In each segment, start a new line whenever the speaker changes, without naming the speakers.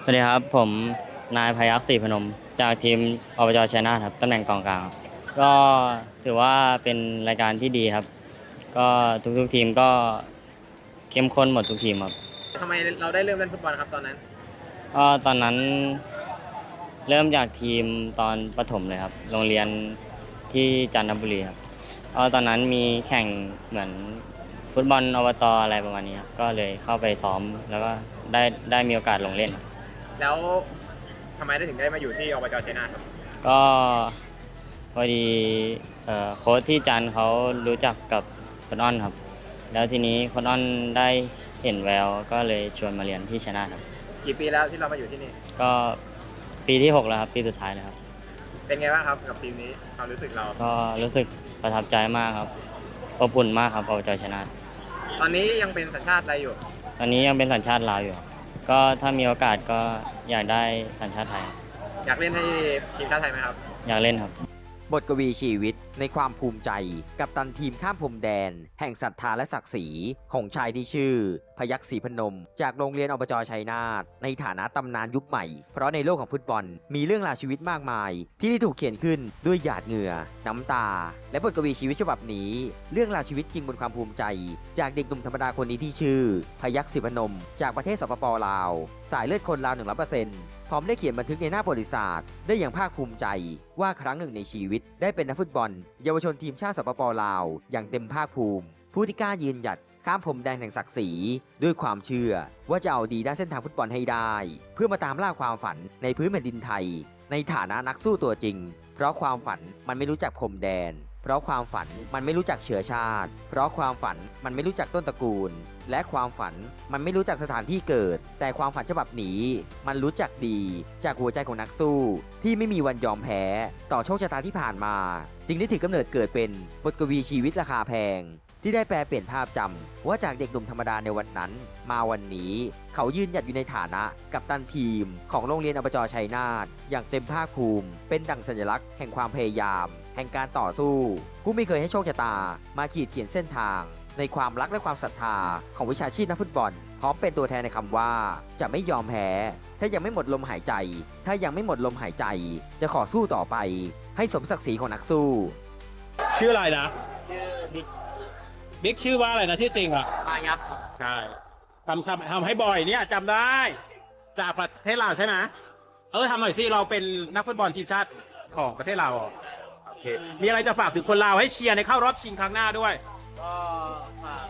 สวัสดีครับผมนายพยัคฆ์ศรีพนมจากทีมอบจชัยนาทครับตำแหน่งกองกลางครับก็ถือว่าเป็นรายการที่ดีครับก็ทุกทีมก็เข้มข้นหมดทุกทีมครับ
ทำไมเราได้เริ่มเล่นฟุตบอลครับตอนนั้น
ก็ตอนนั้นเริ่มจากทีมตอนประถมเลยครับโรงเรียนที่จันทบุรีครับก็ตอนนั้นมีแข่งเหมือนฟุตบอลอบตอะไรประมาณนี้ครับก็เลยเข้าไปซ้อมแล้วก็ได้มีโอกาสลงเล่น
แล้วทำไมได้ถึงได้มาอยู่ที่อบจชัยนาทครับ
ก็พอดีโค้ชที่จันทร์เขารู้จักกับคนอ้อนครับแล้วทีนี้คนอ้อนได้เห็นแววก็เลยชวนมาเรียนที่ชัยนาทครับ
กี่ปีแล้วที่เรามาอยู่ที่นี่
ก็ปีที่6แล้วครับปีสุดท้ายแล้วครับ
เป็นไงบ้างครับกับทีมนี้ความรู้สึกเรา
ก็รู้สึกประทับใจมากครับอบอุ่นมากครับอบจชัยนาท
ตอนนี้ยังเป็นสัญชาติอะไรอยู่
ตอนนี้ยังเป็นสัญชาติลาวอยู่ครับก็ถ้ามีโอกาสก็อยากได้สัญชาติไทย
อยากเล่นให้ทีมชาติไทยไหมครับ
อยากเล่นครับ
บทกวีชีวิตในความภูมิใจกับตันทีมข้ามพรมแดนแห่งศรัทธาและศักดิ์ศรีของชายที่ชื่อพยัคฆ์ศรีพนมจากโรงเรียนอบจชัยนาทในฐานะตำนานยุคใหม่เพราะในโลกของฟุตบอลมีเรื่องราวชีวิตมากมายที่ได้ถูกเขียนขึ้นด้วยหยาดเหงื่อน้ำตาและบทกวีชีวิตฉบับนี้เรื่องราวชีวิตจริงบนความภูมิใจจากเด็กหนุ่มธรรมดาคนนี้ที่ชื่อพยัคฆ์ศรีพนมจากประเทศสปป.ลาวสายเลือดคนลาว 100%พร้อมได้เขียนบันทึกในหน้าประวัติศาสตร์ได้อย่างภาคภูมิใจว่าครั้งหนึ่งในชีวิตได้เป็นนักฟุตบอลเยาวชนทีมชาติสปป.ลาวอย่างเต็มภาคภูมิผู้ที่กล้ายืนหยัดข้ามพรมแดนแห่งศักดิ์ศรีด้วยความเชื่อว่าจะเอาดีด้านเส้นทางฟุตบอลให้ได้เพื่อมาตามล่าความฝันในพื้นแผ่นดินไทยในฐานะนักสู้ตัวจริงเพราะความฝันมันไม่รู้จักพรมแดนเพราะความฝันมันไม่รู้จักเชื้อชาติเพราะความฝันมันไม่รู้จักต้นตระกูลและความฝันมันไม่รู้จักสถานที่เกิดแต่ความฝันฉบับนี้มันรู้จักดีจากหัวใจของนักสู้ที่ไม่มีวันยอมแพ้ต่อโชคชะตาที่ผ่านมาจึงได้ถือกำเนิดเกิดเป็นบทกวีชีวิตราคาแพงที่ได้แปลเปลี่ยนภาพจำว่าจากเด็กหนุ่มธรรมดาในวันนั้นมาวันนี้เขายืนหยัดอยู่ในฐานะกัปตันทีมของโรงเรียนอบจชัยนาทอย่างเต็มภาคภูมิเป็นดั่งสัญลักษณ์แห่งความพยายามแห่งการต่อสู้ผู้ไม่เคยให้โชคชะตามาขีดเขียนเส้นทางในความรักและความศรัทธาของวิชาชีพนักฟุตบอลพร้อมเป็นตัวแทนในคำว่าจะไม่ยอมแพ้ถ้ายังไม่หมดลมหายใจถ้ายังไม่หมดลมหายใจจะขอสู้ต่อไปให้สมศักดิ์ศรีของนักสู้
ชื่ออะไรนะ
ชื่อ
บิ๊กชื่อว่าอะไรนะที่จริงอ่ะ
พยัคฆ์
ใช่ทำให้บ่อยเนี่ยจำได้จากประเทศลาวใช่ไหมทำหน่อยสิเราเป็นนักฟุตบอลทีมชาติของประเทศลาวโอเคมีอะไรจะฝากถึงคนลาวให้เชียร์ในเข้ารอบชิงครั้งหน้าด้วย
ก็ฝาก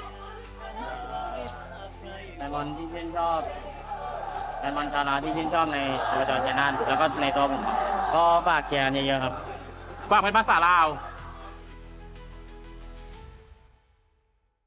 แฟนบอลที่ชื่นชอบแฟนบอลชาวลาวที่ชื่นชอบในอบจชัยนาทแล้วก็ในตัวผมก็ฝากเชียร์กันเยอะๆครับ
ฝากเป็นภาษาลาว